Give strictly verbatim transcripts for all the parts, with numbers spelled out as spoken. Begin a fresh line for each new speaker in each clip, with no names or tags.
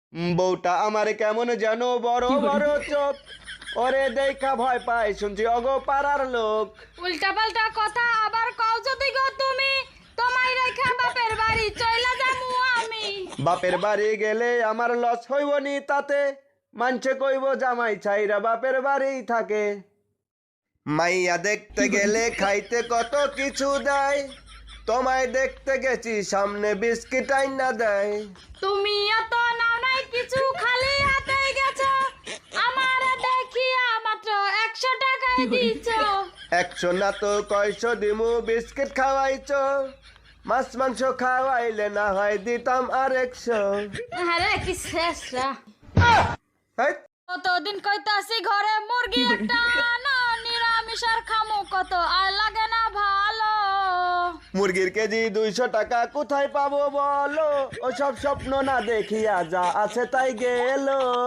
উম, বউটা আমার কেমন যেন বড় বড় চোখ, ওরে দেখা ভয় পায় শুনছি অগো পাড়ার লোক।
উল্টা পাল্টা কথা আবার কও যদি গো তুমি, তোমায় রেখা বাপের বাড়ি চইলা যামু আমি।
বাপের বাড়ি গেলে আমার লস হইব নি তাতে, মানছে কইব জামাই ছাইরা বাপের বাড়ি থাকে। মাইয়া দেখতে গেলে খাইতে কত কিছু দেয়, তোমায় দেখতে গেছি সামনে বিস্কিট আইনা দেয়।
তুমি এত নাও নাই কিছু, খালি হাতে গেছো, আমার দেখিয়া মাত্র একশো টাকায় দিছো।
একশো না তো কয়শো দিমু, বিস্কিট খাওয়াইছ, মাছ মাংস খাওয়াইলে না হয় দিতাম আর একশো।
আরে কি শেষরা,
হেই,
কতদিন কইতাছি ঘরে মুরগি একটা আনো, নিরামিষ আর খামু কত আর লাগে না ভালো।
মুরগির কেজি দুইশো টাকা কোথায় পাবো বলো, ওসব স্বপ্ন না দেখিয়া যা আছে তাই গেল।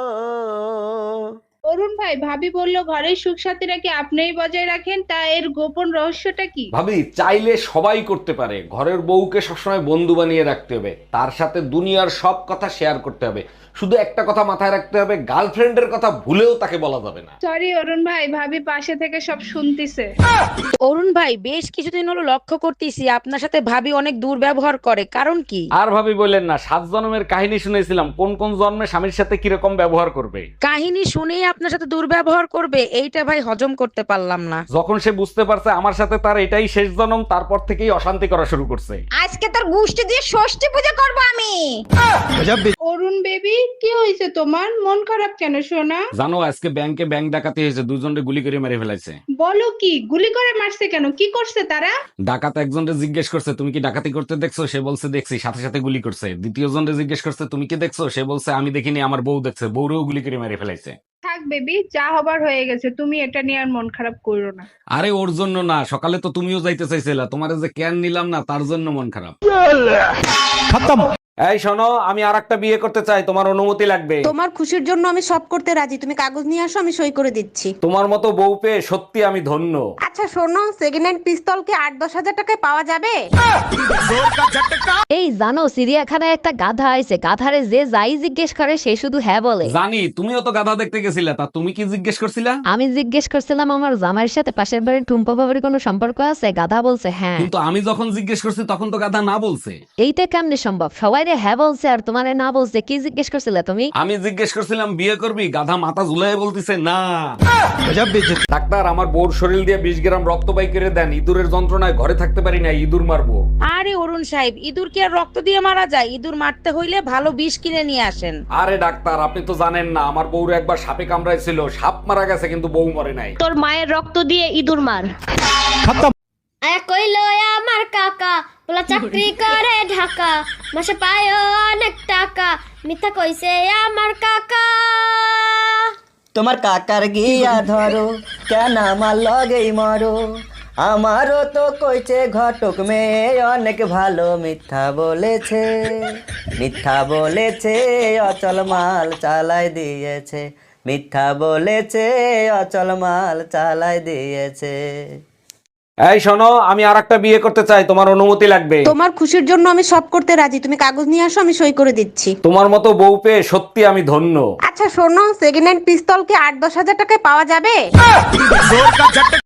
অরুণ ভাই, ভাবি বলল ঘরের সুখ সাথীরা কি আপনিই বজায় রাখেন, তা এর গোপন রহস্যটা কি?
ভাবি, চাইলে সবাই করতে পারে। ঘরের বউকে সবসময় বন্ধু বানিয়ে রাখতে হবে, তার সাথে দুনিয়ার সব কথা শেয়ার করতে হবে। শুধু একটা কথা মাথায় রাখতে হবে, গার্লফ্রেন্ডের কথা ভুলেও তাকে বলা যাবে না।
সরি অরুণ ভাই, ভাবি পাশে থেকে সব শুনতিছে।
অরুণ ভাই, বেশ কিছুদিন হলো লক্ষ্য করতেছি আপনার সাথে ভাবি অনেক দুর্ব্যবহার করে, কারণ কি?
আর ভাবি বললেন না, সাত জন্মের কাহিনী শুনেছিলাম, কোন কোন জন্মে স্বামীর সাথে কিরকম ব্যবহার করবে।
কাহিনী শুনেই আপনার সাথে দুর্ব্যবহার করবে, এইটা ভাই হজম করতে পারলাম না।
যখন সে বুঝতে পারছে আমার সাথে তার এটাই শেষ জন্ম, তারপর থেকেই অশান্তি করা শুরু করছে।
আজকে তোর গোষ্ঠী দিয়ে ষষ্ঠী পূজা করব আমি।
অরুণ বেবি, কি হয়েছে তোমার? মন খারাপ কেন সোনা?
জানো, আজকে ব্যাংকে ব্যাংক ডাকাতি হয়েছে, দুজনকে গুলি করে মেরে ফেলাইছে।
বলো কি, গুলি করে মারছে কেন? কি করছে তারা?
ডাকাত একজনকে জিজ্ঞেস করছে তুমি কি ডাকাতি করতে দেখছো, সে বলছে দেখছি, সাথে সাথে গুলি করছে। দ্বিতীয় জনকে জিজ্ঞেস করছে তুমি কি দেখছো, সে বলছে আমি দেখিনি, আমার বউ দেখছে, বউরেও গুলি করে মেরে ফেলাইছে।
থাক বেবি, যা হবার হয়ে গেছে, তুমি এটা নিয়ে আর মন খারাপ করো না।
আরে ওর জন্য না, সকালে তো তুমিও যাইতে চাইছিলা, তোমার যে ক্যান নিলাম না তার জন্য মন খারাপ। এই শোনো, আমি আর একটা বিয়ে করতে চাই, তোমার অনুমতি লাগবে।
তোমার খুশির জন্য আমি সব করতে রাজি, তুমি কাগজ নিয়ে আসো, আমি সই করে দিচ্ছি।
তোমার মতো বউ পেয়ে সত্যি আমি ধন্য।
আচ্ছা শোনো, সেকেন্ড হ্যান্ড পিস্তল কি আট দশ হাজার টাকায় পাওয়া যাবে?
এই জানো, চিড়িয়াখানায় একটা গাধা আছে, গাধারে যে যাই জিজ্ঞেস করে সে শুধু হ্যাঁ বলে।
জানি, তুমিও তো গাধা দেখতে গেছিলা, তা তুমি কি জিজ্ঞেস করছিলা?
আমি জিজ্ঞেস করছিলাম আমার জামাইয়ের সাথে পাশের বাড়ির টুম্পা বাবার কোনো সম্পর্ক আছে, গাধা বলছে হ্যাঁ।
কিন্তু আমি যখন জিজ্ঞেস করছি তখন তো গাধা না বলছে।
এইটা কেমনে সম্ভব? সবাই রে হ্যাঁ বলছে আর তোমারে না বলছে, কি জিজ্ঞেস করছিলে তুমি?
আমি জিজ্ঞেস করছিলাম বিয়ে করবি, গাধা মাথা ঝুলাই বলতিছে না। ডাক্তার, আমার বোর শরীর দিয়ে বিশ গ্রাম রক্ত বাই করে দেন, ইঁদুরের যন্ত্রণায় ঘরে থাকতে পারি না, ইঁদুর মারবো।
আরে অরুণ সাহেব, ইঁদুর কি আর রক্ত দিয়ে মারা যায়? ইঁদুর মারতে হইলে ভালো বিষ কিনে নিয়ে আসেন।
আরে ডাক্তার, আপনি তো জানেন না, আমার বউরে একবার সাপে কামড়াইছিল, সাপ মারা গেছে কিন্তু বউ মরে নাই।
তোর মায়ের রক্ত দিয়ে ইঁদুর মার।
আয়া কইলো আমার কাকা, বলা চাকরি করে ঢাকা, মাসে পায় অনেক টাকা, মিথ্যা কইছে আমার কাকা।
তোমার কাকার গিয়া ধরো, কেন আমার লগেই মরো, আমারও তো কইছে ঘটক মেয়ে অনেক ভালো, মিথ্যা বলেছে, মিথ্যা বলেছে, অচল মাল চালাই দিয়েছে, মিথ্যা বলেছে, অচল মাল চালাই দিয়েছে।
এই শোনো, আমি আর একটা বিয়ে করতে চাই, তোমার অনুমতি লাগবে।
তোমার খুশির জন্য আমি সব করতে রাজি, তুমি কাগজ নিয়ে আসো, আমি সই করে দিচ্ছি।
তোমার মতো বউ পেয়ে সত্যি আমি ধন্য।
আচ্ছা শোনো, সেকেন্ড হ্যান্ড পিস্তল কি আট দশ হাজার টাকায় পাওয়া যাবে?